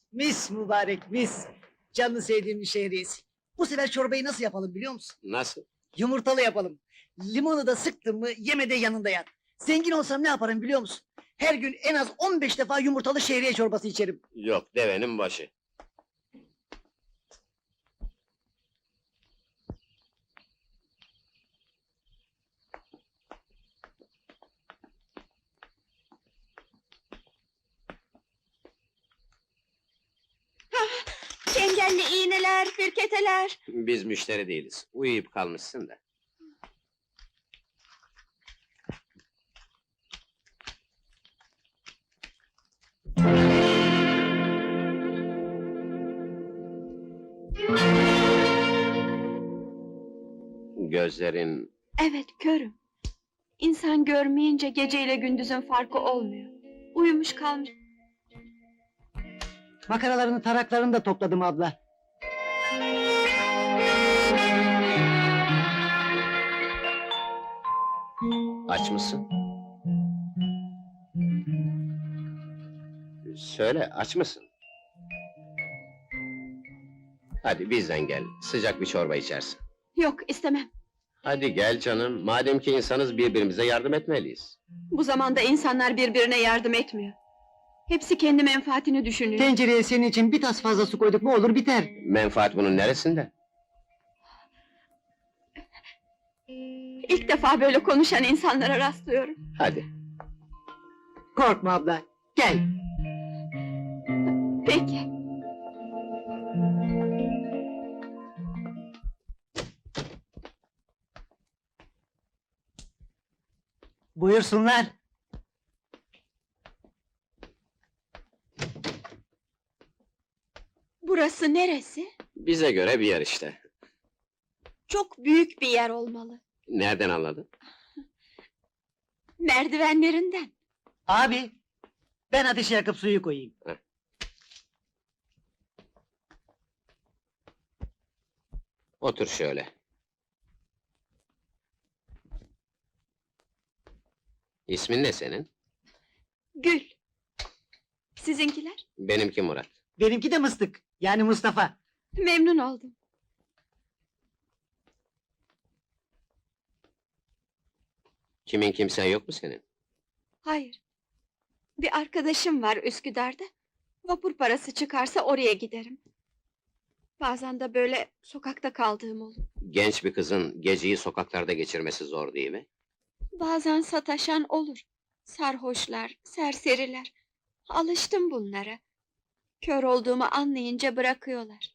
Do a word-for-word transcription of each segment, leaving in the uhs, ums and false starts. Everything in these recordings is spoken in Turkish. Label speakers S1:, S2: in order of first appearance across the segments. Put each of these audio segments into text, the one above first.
S1: Mis mübarek mis. Canını sevdiğim bir şehriyesi. Bu sefer çorbayı nasıl yapalım biliyor musun?
S2: Nasıl?
S1: Yumurtalı yapalım. Limonu da sıktın mı yeme de yanında yat. Zengin olsam ne yaparım biliyor musun? Her gün en az on beş defa yumurtalı şehriye çorbası içerim.
S2: Yok, devenin başı.
S3: Çengelli iğneler, firketeler.
S2: Biz müşteri değiliz. Uyuyup kalmışsın da. Gözlerin...
S3: Evet, körüm. İnsan görmeyince geceyle gündüzün farkı olmuyor. Uyumuş kalmış.
S1: Makaralarını taraklarını da topladım abla.
S2: Aç mısın? Söyle, aç mısın? Hadi bizden gel, sıcak bir çorba içersin.
S3: Yok, istemem.
S2: Hadi gel canım, madem ki insanız birbirimize yardım etmeliyiz.
S3: Bu zamanda insanlar birbirine yardım etmiyor. Hepsi kendi menfaatini düşünüyor.
S1: Tencereye senin için bir tas fazla su koyduk mu olur biter.
S2: Menfaat bunun neresinde?
S3: İlk defa böyle konuşan insanlara rastlıyorum.
S2: Hadi.
S1: Korkma abla, gel.
S3: Peki.
S1: Buyursunlar.
S3: Burası neresi?
S2: Bize göre bir yer işte.
S3: Çok büyük bir yer olmalı.
S2: Nereden anladın?
S3: Merdivenlerinden.
S1: Abi, ben ateşi yakıp suyu koyayım.
S2: Otur şöyle. İsmin ne senin?
S3: Gül. Sizinkiler?
S2: Benimki Murat.
S1: Benimki de Mıstık, yani Mustafa.
S3: Memnun oldum.
S2: Kimin kimsen yok mu senin?
S3: Hayır. Bir arkadaşım var Üsküdar'da. Vapur parası çıkarsa oraya giderim. Bazen de böyle sokakta kaldığım olur.
S2: Genç bir kızın geceyi sokaklarda geçirmesi zor değil mi?
S3: Bazen sataşan olur. Sarhoşlar, serseriler. Alıştım bunlara. Kör olduğumu anlayınca bırakıyorlar.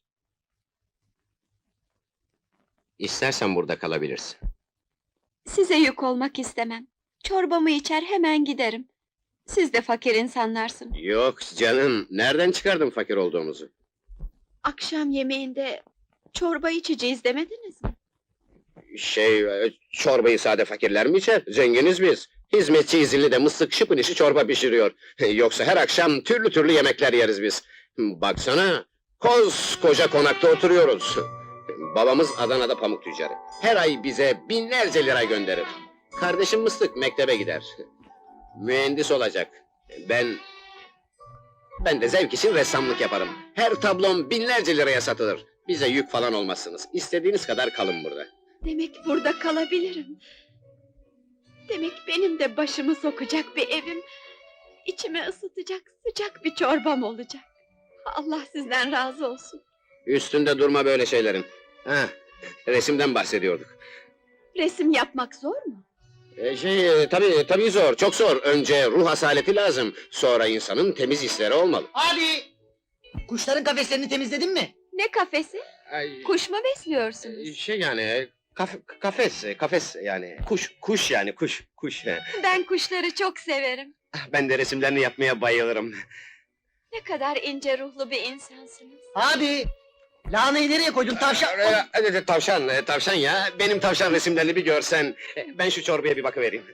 S2: İstersen burada kalabilirsin.
S3: Size yük olmak istemem. Çorbamı içer hemen giderim. Siz de fakir insanlarsınız.
S2: Yok canım, nereden çıkardın fakir olduğumuzu?
S3: Akşam yemeğinde çorba içeceğiz demediniz mi?
S2: Şey, e, çorbayı sade fakirler mi içer? Zenginiz biz. Hizmetçi izinli de mıstık şıpın işi çorba pişiriyor. Yoksa her akşam türlü türlü yemekler yeriz biz. Baksana, koskoca konakta oturuyoruz. Babamız Adana'da pamuk tüccarı. Her ay bize binlerce lira gönderir. Kardeşim Mıstık mektebe gider. Mühendis olacak. Ben... Ben de zevk için ressamlık yaparım. Her tablom binlerce liraya satılır. Bize yük falan olmazsınız. İstediğiniz kadar kalın burada.
S3: Demek burada kalabilirim. Demek benim de başımı sokacak bir evim, içimi ısıtacak sıcak bir çorbam olacak. Allah sizden razı olsun.
S2: Üstünde durma böyle şeylerin. Ha, resimden bahsediyorduk.
S3: Resim yapmak zor mu?
S2: E, şey, tabii tabii zor, çok zor. Önce ruh asaleti lazım. Sonra insanın temiz hisleri olmalı.
S1: Abi! Kuşların kafeslerini temizledin mi?
S3: Ne kafesi?
S2: Ay,
S3: Kuş mu besliyorsunuz?
S2: şey yani, kaf, kafes, kafes yani, kuş, kuş yani, kuş, kuş.
S3: Ben kuşları çok severim.
S2: Ben de resimlerini yapmaya bayılırım.
S3: Ne kadar ince ruhlu bir insansınız.
S1: Abi! Lahanayı nereye koydun tavşan?
S2: Ee, evet, tavşan, e, tavşan ya. Benim tavşan resimlerini bir görsen. E, Ben şu çorbaya bir bakıvereyim.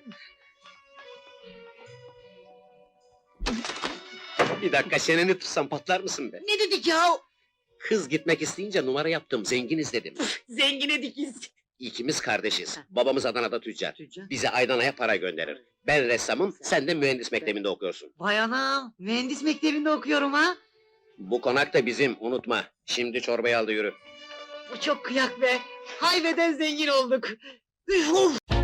S2: Bir dakika, çeneni tutsam patlar mısın be?
S1: Ne dedik ya?
S2: Kız gitmek isteyince numara yaptım, zenginiz dedim.
S1: Zengine dikiz.
S2: İkimiz kardeşiz. Babamız Adana'da tüccar.
S1: Tüccar.
S2: Bize aydan aya para gönderir. Ben ressamım, sen de mühendis mektebinde okuyorsun.
S1: Vay anam, mühendis mektebinde okuyorum ha.
S2: Bu konak da bizim, unutma. Şimdi çorbayı al da yürü.
S1: Bu çok kıyak be. Hayveden zengin olduk. Üf, of!